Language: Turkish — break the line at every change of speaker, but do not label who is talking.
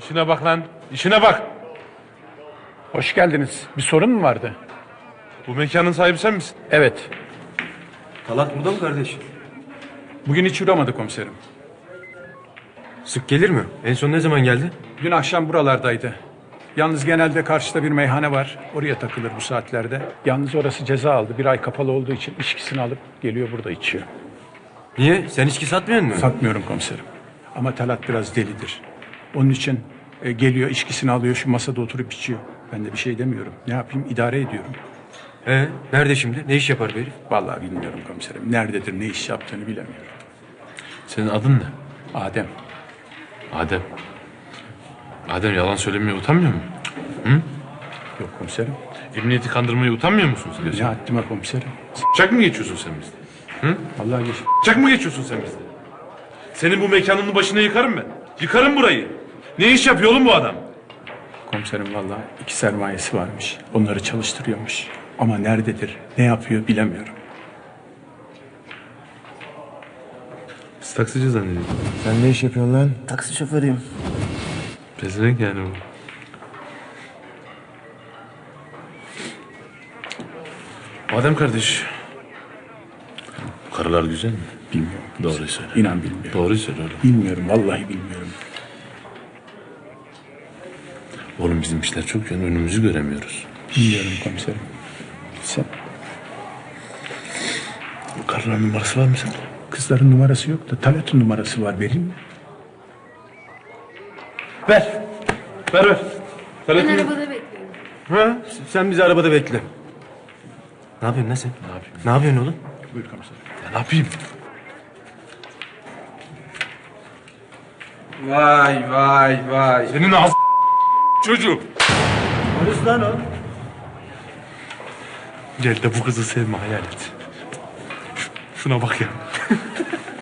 İşine bak lan. İşine bak.
Hoş geldiniz. Bir sorun mu vardı?
Bu mekanın sahibi sen misin?
Evet.
Talat burada mı kardeş?
Bugün hiç uğramadı komiserim.
Sık gelir mi? En son ne zaman geldi?
Dün akşam buralardaydı. Yalnız genelde karşıda bir meyhane var. Oraya takılır bu saatlerde. Yalnız orası ceza aldı. Bir ay kapalı olduğu için içkisini alıp geliyor burada içiyor.
Niye? Sen içki satmıyor musun?
Satmıyorum komiserim. Ama Talat biraz delidir. Onun için geliyor içkisini alıyor şu masada oturup içiyor. Ben de bir şey demiyorum. Ne yapayım? İdare ediyorum.
Nerede şimdi? Ne iş yapar bu herif?
Vallahi bilmiyorum komiserim. Nerededir, ne iş yaptığını bilemiyorum.
Senin adın ne?
Adem.
Adem. Adem yalan söylemeye utanmıyor mu?
Yok komiserim.
Emniyeti kandırmaya utanmıyor musun sen?
Ne
Gerçekten?
haddime komiserim?
Çak mı geçiyorsun sen bizde?
Vallahi geç.
Çak mı geçiyorsun sen bizde? Senin bu mekanının başına yıkarım ben. Yıkarım burayı. Ne iş yapıyor oğlum bu adam?
Komiserim vallahi 2 sermayesi varmış. Onları çalıştırıyormuş. Ama nerededir, ne yapıyor bilemiyorum.
Biz taksici zannediyoruz.
Sen ne iş yapıyorsun lan?
Taksi şoförüyüm.
Pezevenk yani bu. Adem kardeş. Bu karılar güzel mi?
Bilmiyorum.
Doğruyu söyle.
İnan bilmiyorum.
Doğruyu söyle oğlum.
Bilmiyorum, vallahi bilmiyorum.
Oğlum bizim işler çok yoğun, önümüzü göremiyoruz.
Bilmiyorum komiserim. Sen,
Bu karıların numarası var mı sende?
kızların numarası yok da Talat'ın numarası var, vereyim mi?
Ver. Ver.
Ben arabada bekliyorum.
Ha? Sen bizi arabada bekle. Ne yapıyorsun lan sen?
Ne yapayım?
Ne yapıyorsun oğlum?
Buyur komiserim.
Ya ne yapayım?
Vay.
Senin ağzı çocuğu.
Polis lan o.
Gel de bu kızı sevme hayal et. Şuna bak ya.